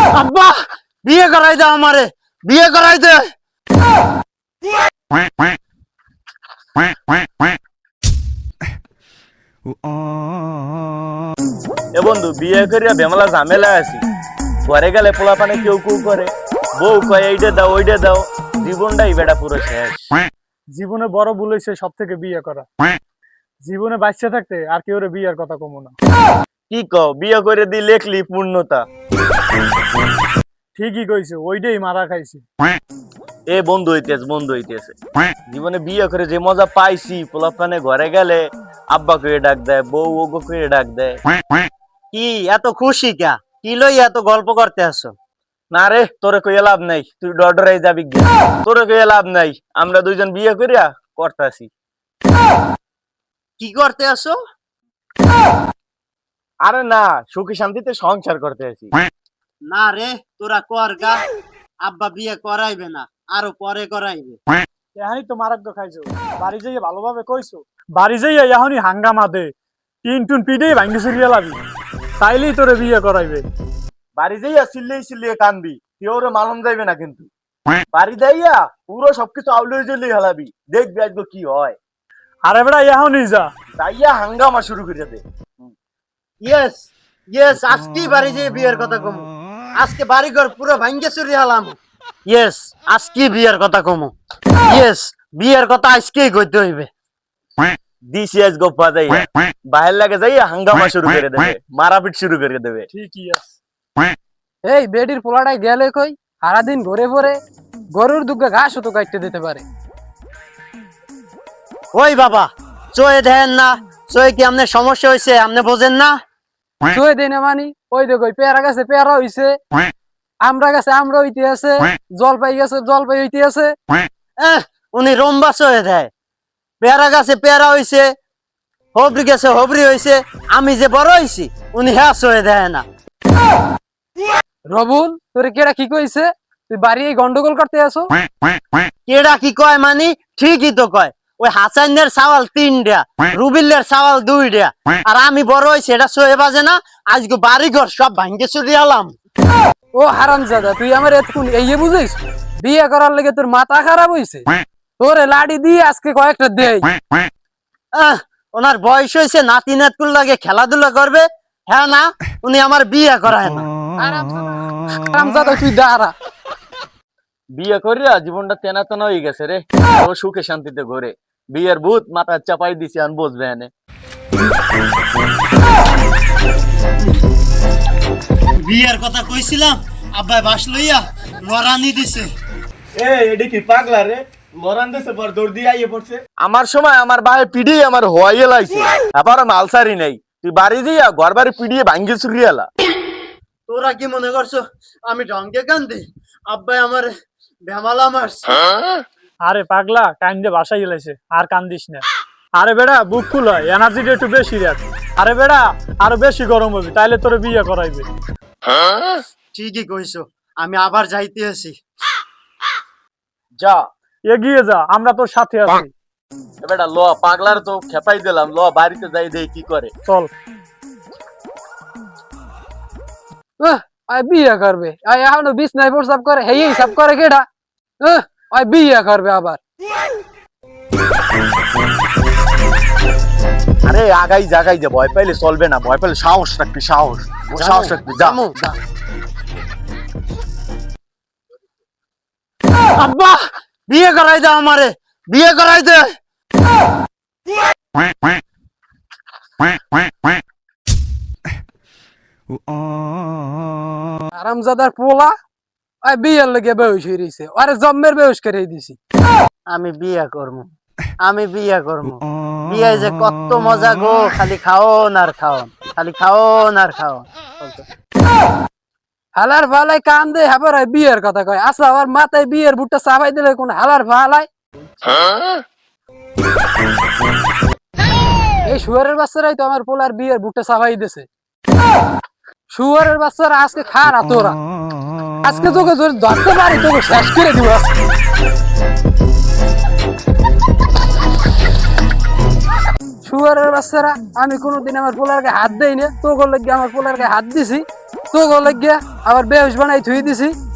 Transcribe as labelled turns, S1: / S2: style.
S1: আব্বা বিয়ে করাই দে আমারে, বিয়ে করাই দে।
S2: এ বন্ধু বিয়ে করিয়া বেমালা ঝামেলা আছি, ঘরে গেলে পোলা পানে কেউ কেউ করে, বউ কয় এইটা দাও ওইটা দাও, জীবনটাই বেটা পুরো শেষ।
S3: জীবনে বড় ভুল হয়েছে সব থেকে বিয়ে করা। জীবনে বাচ্চা থাকতে আর কেউ বিয়ের কথা কমো না।
S2: কি কও, বিয়ে করে দি লেখলি পূর্ণতা।
S3: ঠিকই কইছে, ওইটাই মারা খাইছে।
S2: এ বন্ধু হইতেছে, বন্ধু হইতেছে, জীবনে বিয়ে করে যে মজা পাইছি, পোলা পানে ঘরে গেলে আব্বা করে ডাক দেয়, বউ ওগো করে ডাক দেয়।
S1: কি এত খুশি কা, কি লই এত গল্প করতে আসো?
S2: না রে, তোরে কইয়া লাভ নাই, তুই ডরাই যাবি গে। তোরে কইয়া লাভ নাই, আমরা দুইজন বিয়ে করিয়া করতাছি।
S1: কি করতে আসো?
S2: আরে না, সুখী শান্তিতে সংসার করতে আছি।
S1: না রে, তোরা কর গা, আব্বা বিয়ে করাইবে না, আরো পরে করাইবে।
S3: এহানি তো মারাগ্য খাইছো, বাড়ি যাইয়া ভালোভাবে কইছো, বাড়ি যাইয়া এখনই হাঙ্গামা দে, টিন টুন পিডে ভাঙ্গি চুরিয়া লাবি, তাইলেই তোরে বিয়ে করাইবে।
S2: বাড়ি যাইয়া চিল্লিয়ে চিল্লিয়ে কানবি, কেউ ওরে মালুম যাইবে না কিন্তু। বাড়ি যাইয়া পুরো সবকিছু আউলে জ্বলিয়ে হেলাবি, দেখবি আজকে কি হয়।
S3: আরে বেড়া এখনই যা,
S2: যাইয়া হাঙ্গামা শুরু করে দে।
S1: ইয়েস ইয়েস, আজকেই বাড়ি যেয়ে বিয়ের কথা কমু, আজকে বাড়ি ঘর পুরো ভাঙ্গে চুরি হলাম। ইয়েস, আজকে বিয়ের কথা কমু। ইয়েস, বিয়ের কথা আজকেই কইতে হইবে।
S2: দিছি আজ গোপা যাইয়া বাহির লাগে যাইয়া হাঙ্গামা শুরু করে দেবে, মারাপিট শুরু করে দেবে।
S3: ঠিকই আছে।
S4: এই বেডির পোলাটাই গেলে কই, সারাদিন ঘুরে ঘুরে গরুর দুগ্গা ঘাসও তো কাটতে দিতে পারে।
S1: ওই বাবা, চয়ে দেন না, চয়ে কি আমনে সমস্যা হয়েছে, আমনে বোঝেন না?
S4: চুয়ে দিই না মানি, ওই দেখো পেয়ারা গাছে পেয়ারা হইছে, আমরা গাছে আমরা হইতে আছে, জলপাই গাছে জলপাই হইতে আছে।
S1: উনি রম্বা চয়ে দেয়, পেয়ারা গাছে পেয়ারা হইছে, হবরি গাছে হবরি হইছে, আমি যে বড় হইছি উনি হ্যাঁ চয়ে দেয় না।
S4: রবুল, তোরে কেডা কি কইছে তুই বাড়ি এই গন্ডগোল করতে আসো?
S1: কেডা কি কয় মানি, ঠিকই তো কয়। ওই হাসানের চাওয়াল 3টা, রুবিলের চাওয়াল 2টা, আর আমি বড় হইছি এটা চয়ে বাজে না। আজকে বাড়ি ঘর সব ভাঙ্গে চুরি হলাম।
S4: ও হারামজাদা, তুই আমার এতক্ষণ এই বুঝিস বিয়ে করার লেগে তোর মাথা খারাপ হইছে? তোরে লাড়ি দিয়ে আজকে কয়েকটা দেই।
S1: ওনার বয়স হয়েছে, নাতি নাতকুল লাগে খেলাধুলা করবে, হ্যাঁ না, উনি আমার বিয়ে করায় না।
S4: হারামজাদা তুই দাঁড়া।
S2: বিয়ে করিয়া জীবনটা তেনা তেনা হয়ে গেছে রে, ও সুখে শান্তিতে ঘরে। বিয়ের ভূত মাথা চাপাই দিছি, আন বসবে এনে।
S1: বিয়ের কথা কইছিলাম, আব্বাই বাস লইয়া লড়ানি দিছে।
S2: এডি কি পাগলা রে, লরান দেশে পর দৌড় দিয়ে আইয়ে পড়ছে। আমার সময় আমার ভাই পিড়িয়ে আমার হওয়াইয়ে লাইছে, আবার মালসারি নাই। তুই বাড়ি দিয়া ঘর বাড়ি পিড়িয়ে ভাঙ্গি চুরিয়ালা।
S1: তোরা কি মনে করছো আমি ঢঙ্গে কান্দি? আব্বাই আমার ভেমালা মারছে।
S3: আরে পাগলা, কান্দে বাসায় গেলাইছে, আর কান্দিস না। আরে বেড়া বুক ফুল হয়, এনার্জিটা একটু বেশি রাখ। আরে বেড়া আরো বেশি গরম হবে, তাইলে তোরে বিয়ে করাইবে।
S1: ঠিকই কইছো, আমি আবার যাইতে আছি।
S2: যা
S3: এগিয়ে যা, আমরা তোর সাথে আছি।
S2: বেটা ল, পাগলার তো খেপাই দিলাম, ল বাড়িতে যাই দেই কি করে।
S3: চল।
S4: বিয়ে করবে এখনো বিছনায় প্রস্তাব করে, হেই হিসাব করে কেডা? বিয়ে করবে আবার।
S2: আরে আগাই জাগাই যে, ভয় পাইলে চলবে না, ভয় পাইলে সাহস রাখবি, সাহস সাহস রাখবি। যা
S1: আব্বা বিয়ে করাই দে আমারে, বিয়ে করাই দে।
S4: হারামজাদার পোলা বিয়ের লেগে বেহুশ হয়ে রয়েছে, আরে জম্মের বেহুশ করে দিছি।
S1: আমি বিয়ে করবো, আমি বিয়ে করবো। বিয়ে যে কত মজা গো, খালি খাওন আর খাওন, খালি খাওন আর খাওন।
S4: হালার ভালাই কান দে, হাবার বিয়ের কথা কয়। আচ্ছা আমার মাথায় বিয়ের বুটটা চাপাই দিলে কোন হালার ভালাই? এই শুয়ারের বাচ্চারাই তো আমার পোলার বিয়ের বুটটা চাপাই দিছে। শুয়ারের বাচ্চারা আজকে খারা তোরা, আজকে তোকে ধরতে পারি তোকে শেষ করে দিব। শুয়ারের বাচ্চারা, আমি কোনোদিন আমার পোলারকে হাত দেই না, তোকে লেগে আমার পোলারকে হাত দিছি। তো লাগিয়া আবার বেহুশ বানাই থুই দিছি